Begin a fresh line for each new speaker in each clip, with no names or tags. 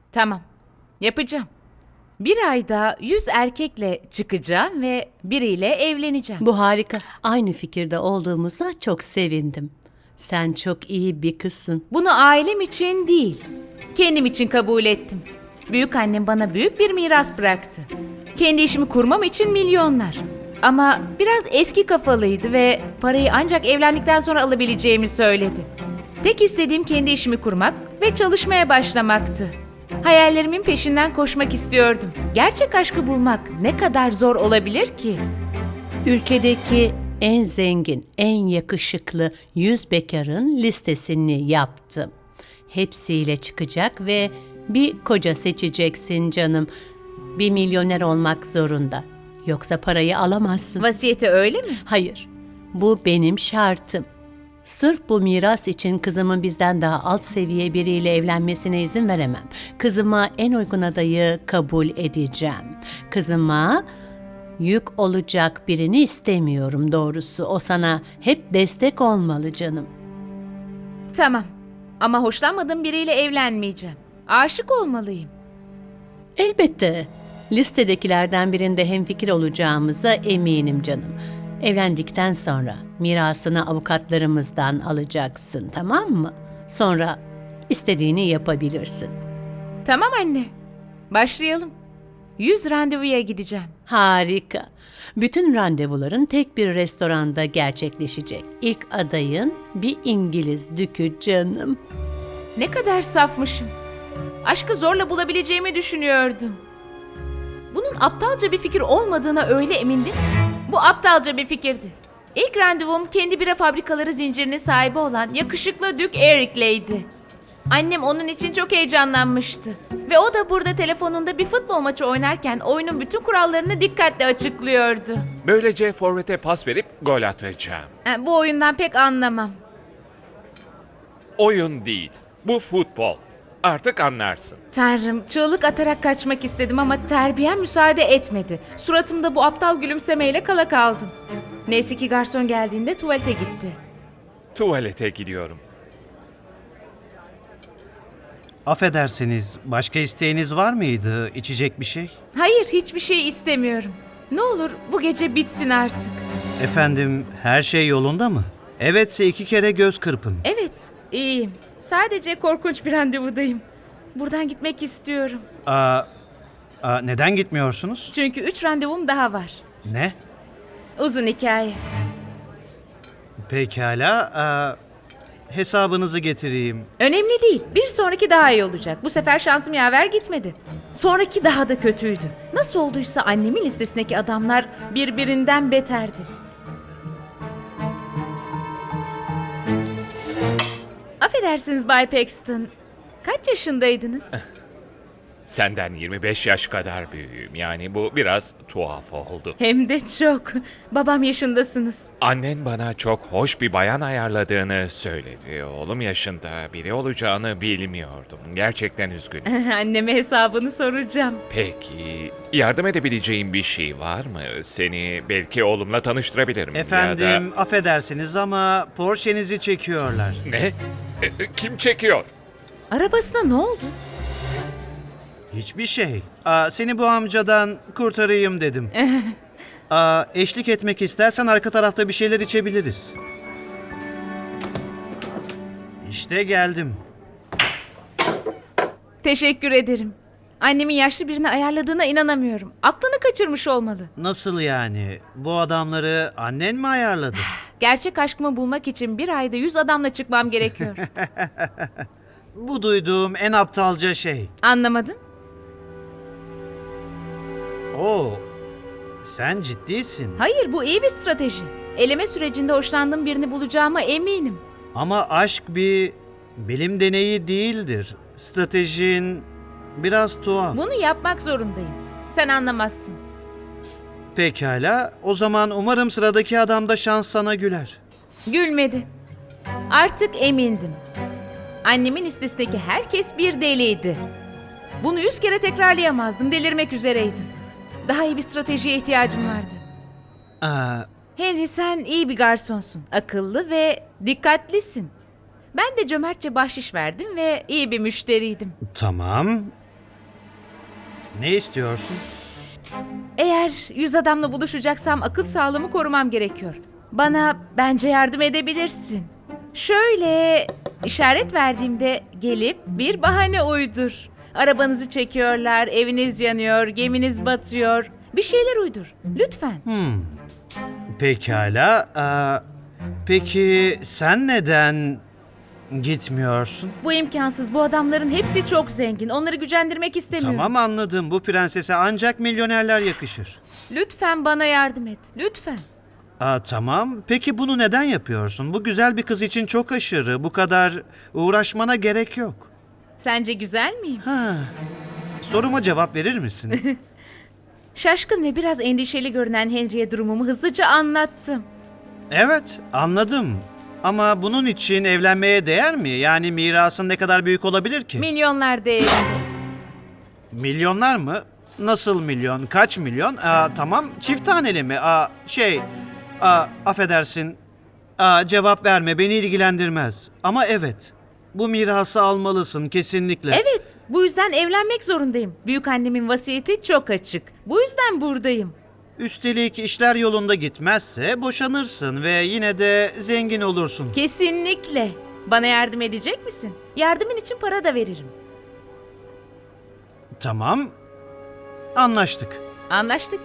Tamam, yapacağım. Bir ayda 100 erkekle çıkacağım ve biriyle evleneceğim.
Bu harika. Aynı fikirde olduğumuza çok sevindim. Sen çok iyi bir kızsın.
Bunu ailem için değil, kendim için kabul ettim. Büyükannem bana büyük bir miras bıraktı. Kendi işimi kurmam için milyonlar. Ama biraz eski kafalıydı ve parayı ancak evlendikten sonra alabileceğimi söyledi. Tek istediğim kendi işimi kurmak ve çalışmaya başlamaktı. Hayallerimin peşinden koşmak istiyordum. Gerçek aşkı bulmak ne kadar zor olabilir ki?
Ülkedeki en zengin, en yakışıklı 100 bekarın listesini yaptım. Hepsiyle çıkacak ve bir koca seçeceksin canım. Bir milyoner olmak zorunda. Yoksa parayı alamazsın.
Vasiyeti öyle mi?
Hayır, bu benim şartım. Sırf bu miras için kızımın bizden daha alt seviye biriyle evlenmesine izin veremem. Kızıma en uygun adayı kabul edeceğim. Kızıma yük olacak birini istemiyorum doğrusu. O sana hep destek olmalı canım.
Tamam. Ama hoşlanmadığım biriyle evlenmeyeceğim. Aşık olmalıyım.
Elbette listedekilerden birinde hemfikir olacağımıza eminim canım. Evlendikten sonra mirasını avukatlarımızdan alacaksın, tamam mı? Sonra istediğini yapabilirsin.
Tamam anne. Başlayalım. 100 randevuya gideceğim.
Harika. Bütün randevuların tek bir restoranda gerçekleşecek. İlk adayın bir İngiliz dükü canım.
Ne kadar safmışım. Aşkı zorla bulabileceğimi düşünüyordum. Bunun aptalca bir fikir olmadığına öyle emindim. Bu aptalca bir fikirdi. İlk randevum kendi bira fabrikaları zincirinin sahibi olan yakışıklı Dük Eric'leydi. Annem onun için çok heyecanlanmıştı. Ve o da burada telefonunda bir futbol maçı oynarken oyunun bütün kurallarını dikkatle açıklıyordu.
Böylece forvete pas verip gol atacağım.
Bu oyundan pek anlamam.
Oyun değil, bu futbol. Artık anlarsın.
Tanrım, çığlık atarak kaçmak istedim ama terbiyem müsaade etmedi. Suratımda bu aptal gülümsemeyle kala kaldım. Neyse ki garson geldiğinde tuvalete gitti.
Tuvalete gidiyorum.
Affedersiniz, başka isteğiniz var mıydı? İçecek bir şey?
Hayır, hiçbir şey istemiyorum. Ne olur bu gece bitsin artık.
Efendim, her şey yolunda mı? Evetse 2 kere göz kırpın.
Evet, iyiyim. Sadece korkunç bir randevudayım. Buradan gitmek istiyorum.
Neden gitmiyorsunuz?
Çünkü 3 randevum daha var.
Ne?
Uzun hikaye.
Pekala, hesabınızı getireyim.
Önemli değil. Bir sonraki daha iyi olacak. Bu sefer şansım yaver gitmedi. Sonraki daha da kötüydü. Nasıl olduysa annemin listesindeki adamlar birbirinden beterdi. Affedersiniz Bay Paxton. Kaç yaşındaydınız?
Senden 25 yaş kadar büyüğüm. Yani bu biraz tuhaf oldu.
Hem de çok. Babam yaşındasınız.
Annen bana çok hoş bir bayan ayarladığını söyledi. Oğlum yaşında biri olacağını bilmiyordum. Gerçekten üzgünüm.
Anneme hesabını soracağım.
Peki, yardım edebileceğim bir şey var mı? Seni belki oğlumla tanıştırabilirim.
Efendim,
Ya da...
affedersiniz ama Porsche'nizi çekiyorlar.
Ne? Kim çekiyor?
Arabasına ne oldu?
Hiçbir şey. Seni bu amcadan kurtarayım dedim. Eşlik etmek istersen arka tarafta bir şeyler içebiliriz. İşte geldim.
Teşekkür ederim. Annemin yaşlı birini ayarladığına inanamıyorum. Aklını kaçırmış olmalı.
Nasıl yani? Bu adamları annen mi ayarladı?
Gerçek aşkımı bulmak için bir ayda 100 adamla çıkmam gerekiyor.
Bu duyduğum en aptalca şey.
Anlamadım.
Oo, sen ciddisin.
Hayır, bu iyi bir strateji. Eleme sürecinde hoşlandığım birini bulacağıma eminim.
Ama aşk bir bilim deneyi değildir. Stratejin biraz tuhaf.
Bunu yapmak zorundayım. Sen anlamazsın.
Pekala, o zaman umarım sıradaki adam da şans sana güler.
Gülmedi. Artık emindim. Annemin listesindeki herkes bir deliydi. Bunu 100 kere tekrarlayamazdım. Delirmek üzereydim. Daha iyi bir stratejiye ihtiyacım vardı.
Aa,
Henry, sen iyi bir garsonsun. Akıllı ve dikkatlisin. Ben de cömertçe bahşiş verdim ve iyi bir müşteriydim.
tamam. Ne istiyorsun?
Eğer 100 adamla buluşacaksam akıl sağlığımı korumam gerekiyor. Bana bence yardım edebilirsin. Şöyle işaret verdiğimde gelip bir bahane uydur. Arabanızı çekiyorlar, eviniz yanıyor, geminiz batıyor. Bir şeyler uydur. Lütfen.
Pekala. Peki sen neden gitmiyorsun?
Bu imkansız. Bu adamların hepsi çok zengin. Onları gücendirmek istemiyorum.
Tamam, anladım. Bu prensese ancak milyonerler yakışır.
Lütfen bana yardım et. Lütfen.
Tamam. Peki bunu neden yapıyorsun? Bu güzel bir kız için çok aşırı. Bu kadar uğraşmana gerek yok.
Sence güzel miyim?
Soruma cevap verir misin?
Şaşkın ve biraz endişeli görünen Henry'e durumumu hızlıca anlattım.
Evet, anladım. Ama bunun için evlenmeye değer mi? Yani mirasın ne kadar büyük olabilir ki?
Milyonlar değerinde.
Milyonlar mı? Nasıl milyon? Kaç milyon? Tamam, çift taneli mi? Affedersin. Cevap verme, beni ilgilendirmez. Ama evet, bu mirası almalısın kesinlikle.
Evet, bu yüzden evlenmek zorundayım. Büyükannemin vasiyeti çok açık. Bu yüzden buradayım.
Üstelik işler yolunda gitmezse boşanırsın ve yine de zengin olursun.
Kesinlikle. Bana yardım edecek misin? Yardımın için para da veririm.
Tamam, anlaştık.
Anlaştık.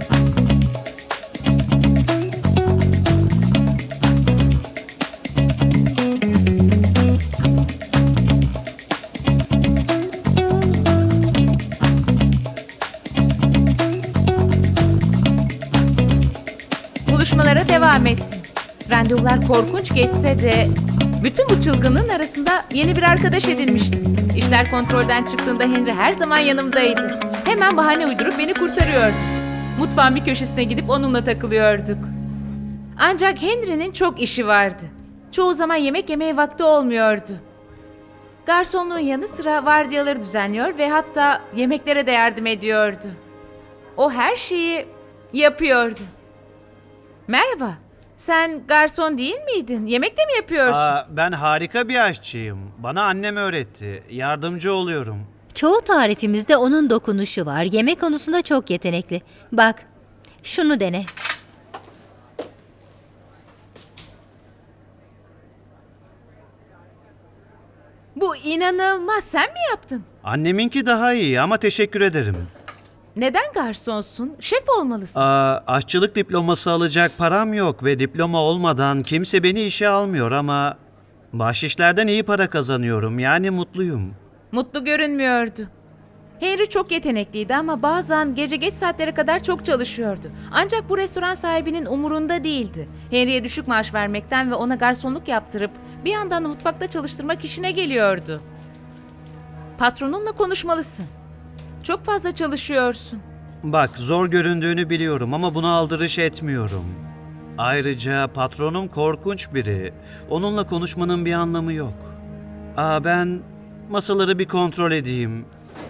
Buluşmalara devam ettim. Randevular korkunç geçse de bütün bu çılgınlığın arasında yeni bir arkadaş edinmiştim. İşler kontrolden çıktığında Henry her zaman yanımdaydı. Hemen bahane uydurup beni kurtarıyordu. Mutfağın bir köşesine gidip onunla takılıyorduk. Ancak Henry'nin çok işi vardı. Çoğu zaman yemek yemeye vakti olmuyordu. Garsonluğun yanı sıra vardiyaları düzenliyor ve hatta yemeklere de yardım ediyordu. O her şeyi yapıyordu. Merhaba, sen garson değil miydin? Yemek de mi yapıyorsun?
Ben harika bir aşçıyım. Bana annem öğretti. Yardımcı oluyorum.
Çoğu tarifimizde onun dokunuşu var. Yemek konusunda çok yetenekli. Bak, şunu dene.
Bu inanılmaz, sen mi yaptın?
Anneminki daha iyi ama teşekkür ederim.
Neden garsonsun? Şef olmalısın.
Aşçılık diploması alacak param yok ve diploma olmadan kimse beni işe almıyor ama bahşişlerden iyi para kazanıyorum. Yani mutluyum.
Mutlu görünmüyordu. Henry çok yetenekliydi ama bazen gece geç saatlere kadar çok çalışıyordu. Ancak bu restoran sahibinin umurunda değildi. Henry'e düşük maaş vermekten ve ona garsonluk yaptırıp bir yandan da mutfakta çalıştırmak işine geliyordu. Patronunla konuşmalısın. Çok fazla çalışıyorsun.
Bak, zor göründüğünü biliyorum ama buna aldırış etmiyorum. Ayrıca patronum korkunç biri. Onunla konuşmanın bir anlamı yok. Ben masaları bir kontrol edeyim.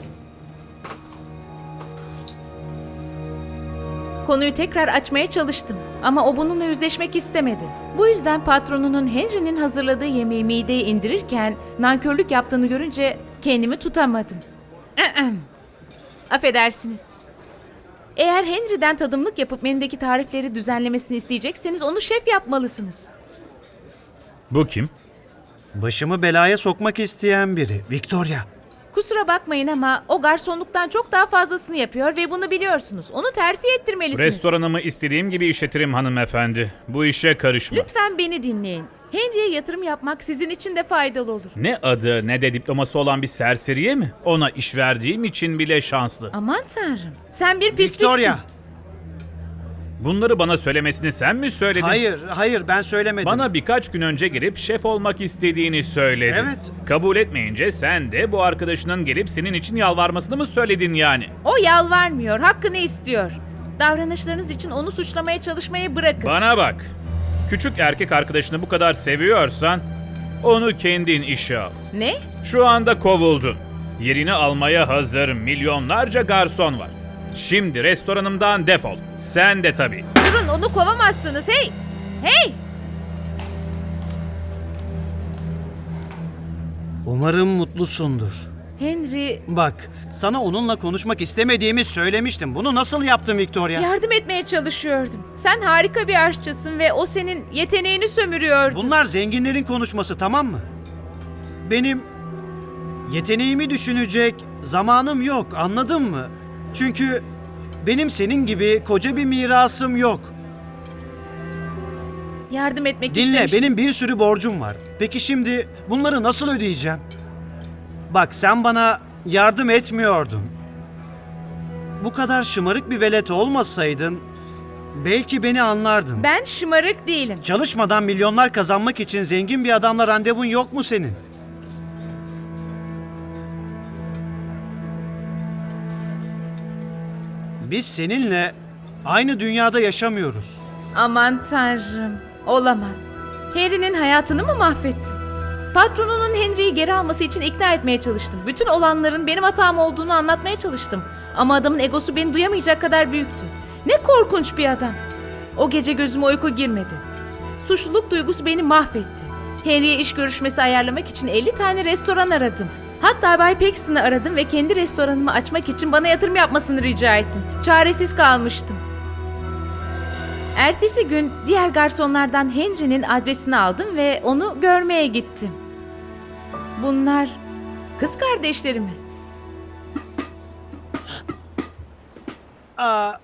Konuyu tekrar açmaya çalıştım ama o bununla yüzleşmek istemedi. Bu yüzden patronunun Henry'nin hazırladığı yemeği mideye indirirken nankörlük yaptığını görünce kendimi tutamadım. Affedersiniz. Eğer Henry'den tadımlık yapıp menüdeki tarifleri düzenlemesini isteyecekseniz onu şef yapmalısınız.
Bu kim?
Başımı belaya sokmak isteyen biri. Victoria.
Kusura bakmayın ama o garsonluktan çok daha fazlasını yapıyor ve bunu biliyorsunuz. Onu terfi ettirmelisiniz.
Restoranımı istediğim gibi işletirim hanımefendi. Bu işe karışma.
Lütfen beni dinleyin. Henry'e yatırım yapmak sizin için de faydalı olur.
Ne adı ne de diploması olan bir serseriye mi? Ona iş verdiğim için bile şanslı.
Aman tanrım. Sen bir pisliksin.
Victoria.
Bunları bana söylemesini sen mi söyledin?
Hayır ben söylemedim.
Bana birkaç gün önce gelip şef olmak istediğini söyledin.
Evet.
Kabul etmeyince sen de bu arkadaşının gelip senin için yalvarmasını mı söyledin yani?
O yalvarmıyor, hakkını istiyor. Davranışlarınız için onu suçlamaya çalışmayı bırakın.
Bana bak. Küçük erkek arkadaşını bu kadar seviyorsan onu kendin işe al.
Ne?
Şu anda kovuldun. Yerini almaya hazır milyonlarca garson var. Şimdi restoranımdan defol. Sen de tabii.
Durun, onu kovamazsınız. Hey! Hey!
Umarım mutlusundur.
Henry,
Bak, sana onunla konuşmak istemediğimi söylemiştim. Bunu nasıl yaptın Victoria?
yardım etmeye çalışıyordum. Sen harika bir aşçısın ve o senin yeteneğini sömürüyordu.
Bunlar zenginlerin konuşması, tamam mı? Benim yeteneğimi düşünecek zamanım yok, anladın mı? Çünkü benim senin gibi koca bir mirasım yok.
Yardım etmek
Dinle,
istemiştim.
benim bir sürü borcum var. Peki şimdi bunları nasıl ödeyeceğim? Bak, sen bana yardım etmiyordun. Bu kadar şımarık bir velet olmasaydın belki beni anlardın.
Ben şımarık değilim.
Çalışmadan milyonlar kazanmak için zengin bir adamla randevun yok mu senin? Biz seninle aynı dünyada yaşamıyoruz.
Aman tanrım, olamaz. Henry'nin hayatını mı mahvettim? Patronunun Henry'yi geri alması için ikna etmeye çalıştım. Bütün olanların benim hatam olduğunu anlatmaya çalıştım. Ama adamın egosu beni duyamayacak kadar büyüktü. Ne korkunç bir adam. O gece gözüme uyku girmedi. Suçluluk duygusu beni mahvetti. Henry'e iş görüşmesi ayarlamak için 50 tane restoran aradım. Hatta Bay Paxton'ı aradım ve kendi restoranımı açmak için bana yatırım yapmasını rica ettim. Çaresiz kalmıştım. Ertesi gün diğer garsonlardan Henry'nin adresini aldım ve onu görmeye gittim. Bunlar kız kardeşleri mi?
Aa,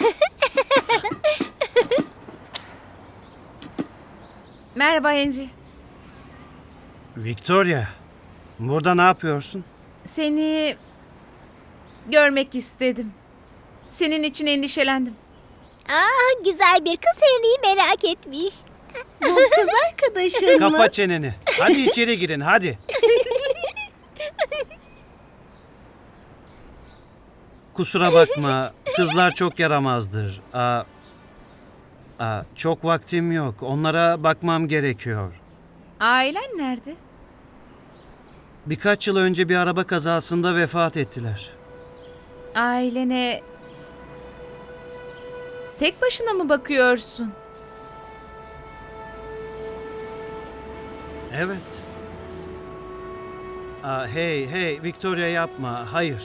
Merhaba Henry.
Victoria, burada ne yapıyorsun?
Seni görmek istedim. Senin için endişelendim.
Aa, güzel bir kız Henry'yi merak etmiş. Bu kız arkadaşın mı?
Kapa çeneni. Hadi içeri girin, hadi. Kusura bakma, kızlar çok yaramazdır. Çok vaktim yok. Onlara bakmam gerekiyor.
Ailen nerede?
Birkaç yıl önce bir araba kazasında vefat ettiler.
Ailene tek başına mı bakıyorsun?
Evet. Hey, Victoria yapma. Hayır.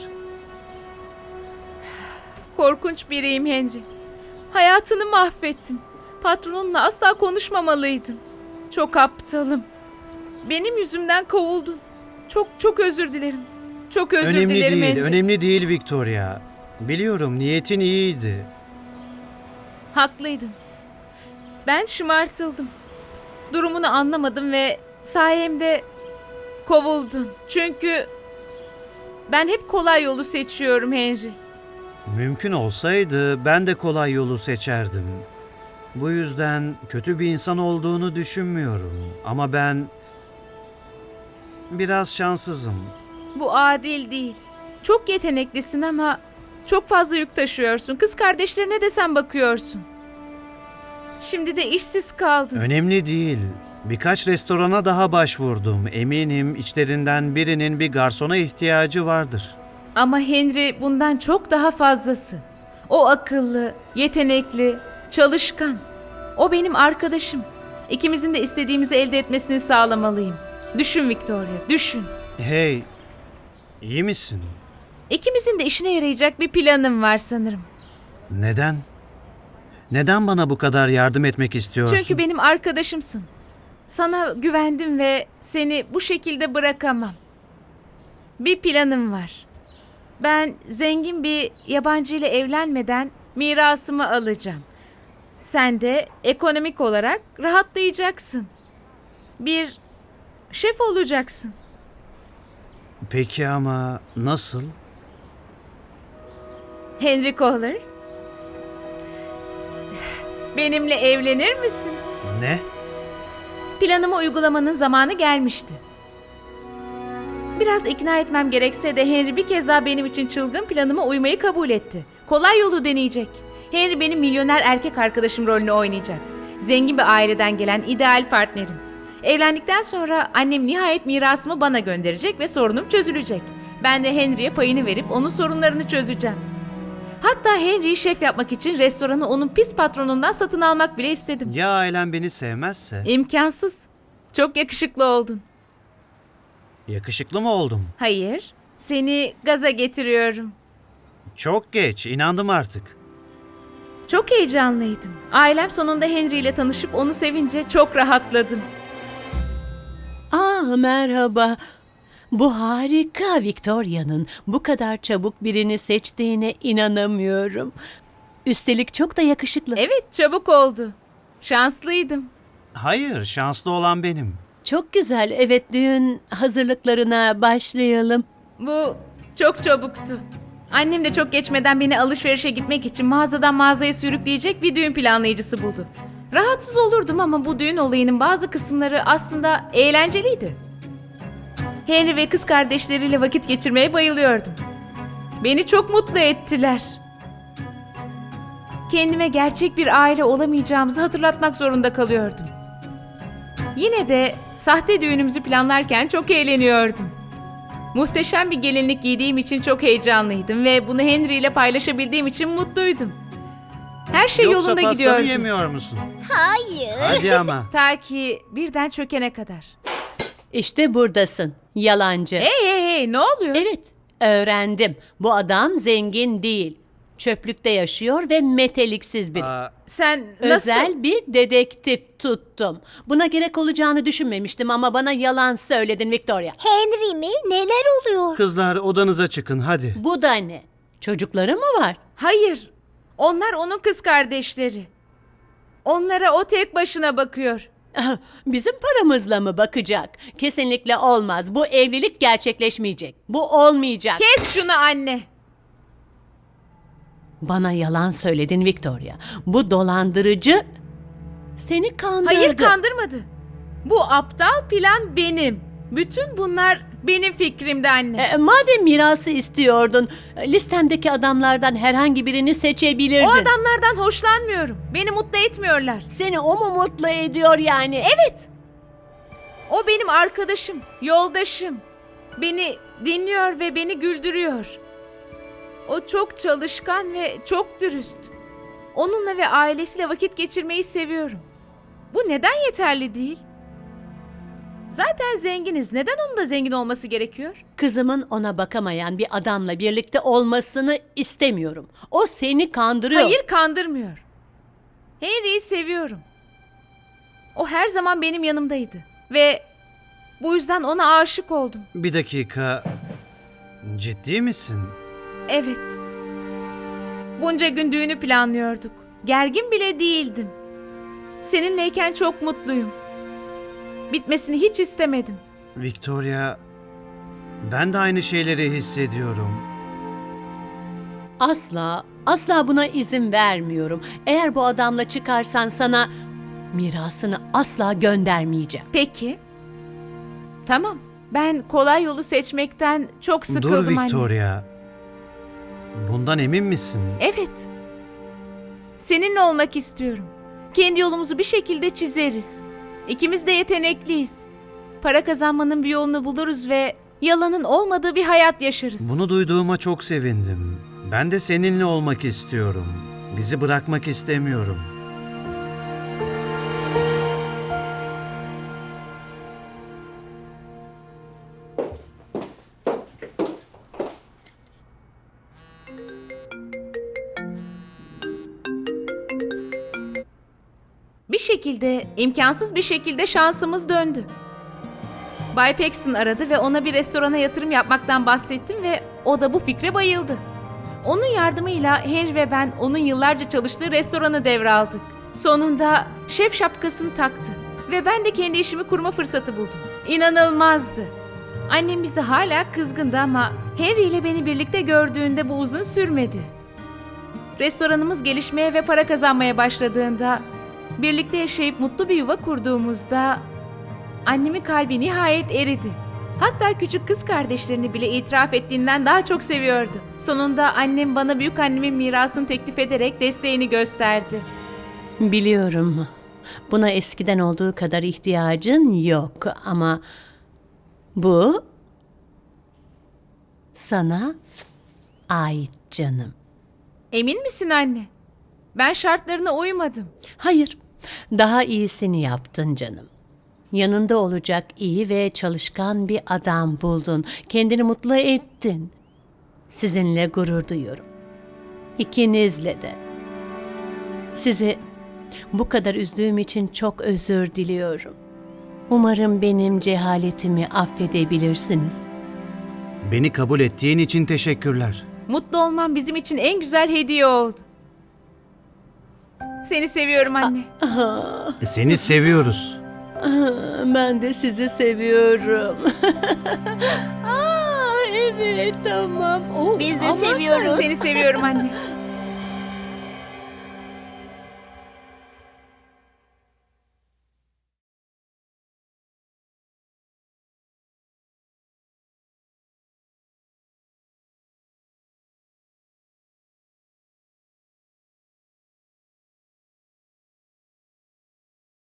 Korkunç biriyim Henry. Hayatını mahvettim. Patronunla asla konuşmamalıydım. Çok aptalım. Benim yüzümden kovuldun. Çok özür dilerim. Çok özür
Önemli
dilerim
değil,
Henry.
önemli değil Victoria. Biliyorum, niyetin iyiydi.
Haklıydın. Ben şımartıldım. Durumunu anlamadım ve sayemde kovuldun. Çünkü ben hep kolay yolu seçiyorum Henry.
Mümkün olsaydı ben de kolay yolu seçerdim. Bu yüzden kötü bir insan olduğunu düşünmüyorum. Ama ben biraz şanssızım.
Bu adil değil. Çok yeteneklisin ama çok fazla yük taşıyorsun. Kız kardeşlerine de sen bakıyorsun. Şimdi de işsiz kaldın.
Önemli değil. Birkaç restorana daha başvurdum. Eminim içlerinden birinin bir garsona ihtiyacı vardır.
Ama Henry bundan çok daha fazlası. O akıllı, yetenekli, çalışkan. O benim arkadaşım. İkimizin de istediğimizi elde etmesini sağlamalıyım. Düşün Victoria, düşün.
Hey, iyi misin?
İkimizin de işine yarayacak bir planım var sanırım.
Neden? Neden bana bu kadar yardım etmek istiyorsun?
Çünkü benim arkadaşımsın. Sana güvendim ve seni bu şekilde bırakamam. Bir planım var. Ben zengin bir yabancı ile evlenmeden mirasımı alacağım. Sen de ekonomik olarak rahatlayacaksın. Bir şef olacaksın.
Peki ama nasıl?
Henry Kohler, benimle evlenir misin?
Ne?
Planımı uygulamanın zamanı gelmişti. Biraz ikna etmem gerekse de Henry bir kez daha benim için çılgın planıma uymayı kabul etti. Kolay yolu deneyecek. Henry benim milyoner erkek arkadaşım rolünü oynayacak. Zengin bir aileden gelen ideal partnerim. Evlendikten sonra annem nihayet mirasımı bana gönderecek ve sorunum çözülecek. Ben de Henry'e payını verip onun sorunlarını çözeceğim. Hatta Henry'yi şef yapmak için restoranı onun pis patronundan satın almak bile istedim.
Ya ailem beni sevmezse?
İmkansız. Çok yakışıklı oldun.
Yakışıklı mı oldum?
Hayır, Seni gaza getiriyorum.
Çok geç, inandım artık.
Çok heyecanlıydım. Ailem sonunda Henry ile tanışıp onu sevince çok rahatladım.
Merhaba. Bu harika, Victoria'nın bu kadar çabuk birini seçtiğine inanamıyorum. Üstelik çok da yakışıklı.
Evet, çabuk oldu. Şanslıydım.
Hayır, şanslı olan benim.
Çok güzel. Evet, düğün hazırlıklarına başlayalım.
Bu çok çabuktu. Annem de çok geçmeden beni alışverişe gitmek için mağazadan mağazaya sürükleyecek bir düğün planlayıcısı buldu. Rahatsız olurdum ama bu düğün olayının bazı kısımları aslında eğlenceliydi. Henry ve kız kardeşleriyle vakit geçirmeye bayılıyordum. Beni çok mutlu ettiler. Kendime gerçek bir aile olamayacağımızı hatırlatmak zorunda kalıyordum. Yine de sahte düğünümüzü planlarken çok eğleniyordum. Muhteşem bir gelinlik giydiğim için çok heyecanlıydım ve bunu Henry ile paylaşabildiğim için mutluydum. Her şey
Yoksa
yolunda
pastanı
gidiyordu.
yemiyor musun?
Hayır.
Hadi ama.
Ta ki birden çökene kadar.
İşte buradasın. Yalancı.
Hey, ne oluyor?
Evet, öğrendim. Bu adam zengin değil. Çöplükte yaşıyor ve meteliksiz biri.
Sen nasıl?
Özel bir dedektif tuttum. Buna gerek olacağını düşünmemiştim ama bana yalan söyledin Victoria.
Henry mi? Neler oluyor?
Kızlar odanıza çıkın hadi.
Bu da ne? Çocukları mı var?
Hayır. Onlar onun kız kardeşleri. Onlara o tek başına bakıyor.
Bizim paramızla mı bakacak? Kesinlikle olmaz. Bu evlilik gerçekleşmeyecek. Bu olmayacak.
Kes şunu anne.
Bana yalan söyledin Victoria. Bu dolandırıcı seni kandırdı.
Hayır, kandırmadı. Bu aptal plan benim. Bütün bunlar benim fikrimdi anne.
Madem mirası istiyordun, listemdeki adamlardan herhangi birini seçebilirdin.
O adamlardan hoşlanmıyorum. Beni mutlu etmiyorlar.
Seni o mu mutlu ediyor yani?
Evet. O benim arkadaşım, yoldaşım. Beni dinliyor ve beni güldürüyor. O çok çalışkan ve çok dürüst. Onunla ve ailesiyle vakit geçirmeyi seviyorum. Bu neden yeterli değil? Zaten zenginiz. Neden onun da zengin olması gerekiyor?
Kızımın ona bakamayan bir adamla birlikte olmasını istemiyorum. O seni kandırıyor.
Hayır, kandırmıyor. Henry'i seviyorum. O her zaman benim yanımdaydı. Ve bu yüzden ona aşık oldum.
Bir dakika. Ciddi misin?
Evet. Bunca gün düğünü planlıyorduk. Gergin bile değildim. Seninleyken çok mutluyum. Bitmesini hiç istemedim.
Victoria, ben de aynı şeyleri hissediyorum.
Asla buna izin vermiyorum. Eğer bu adamla çıkarsan sana mirasını asla göndermeyeceğim.
Peki. Tamam. Ben kolay yolu seçmekten çok sıkıldım
Dur
anne.
Victoria. Bundan emin misin?
Evet. Seninle olmak istiyorum. Kendi yolumuzu bir şekilde çizeriz. İkimiz de yetenekliyiz. Para kazanmanın bir yolunu buluruz ve yalanın olmadığı bir hayat yaşarız.
Bunu duyduğuma çok sevindim. Ben de seninle olmak istiyorum. Bizi bırakmak istemiyorum.
Bir şekilde, imkansız bir şekilde şansımız döndü. Bay Paxton aradı ve ona bir restorana yatırım yapmaktan bahsettim ve o da bu fikre bayıldı. Onun yardımıyla Henry ve ben onun yıllarca çalıştığı restoranı devraldık. Sonunda şef şapkasını taktı ve ben de kendi işimi kurma fırsatı buldum. İnanılmazdı. Annem bize hala kızgındı ama Henry ile beni birlikte gördüğünde bu uzun sürmedi. Restoranımız gelişmeye ve para kazanmaya başladığında, birlikte yaşayıp mutlu bir yuva kurduğumuzda annemin kalbi nihayet eridi. Hatta küçük kız kardeşlerini bile itiraf ettiğinden daha çok seviyordu. Sonunda annem bana büyükannemin mirasını teklif ederek desteğini gösterdi.
Biliyorum. Buna eskiden olduğu kadar ihtiyacın yok ama bu sana ait canım.
Emin misin anne? Ben şartlarına uymadım.
Hayır, daha iyisini yaptın canım. Yanında olacak iyi ve çalışkan bir adam buldun. Kendini mutlu ettin. Sizinle gurur duyuyorum. İkinizle de. Sizi bu kadar üzdüğüm için çok özür diliyorum. Umarım benim cehaletimi affedebilirsiniz.
Beni kabul ettiğin için teşekkürler.
Mutlu olman bizim için en güzel hediye oldu. Seni seviyorum anne.
Seni seviyoruz.
Ben de sizi seviyorum. Evet, tamam.
Biz de seviyoruz.
Seni seviyorum anne.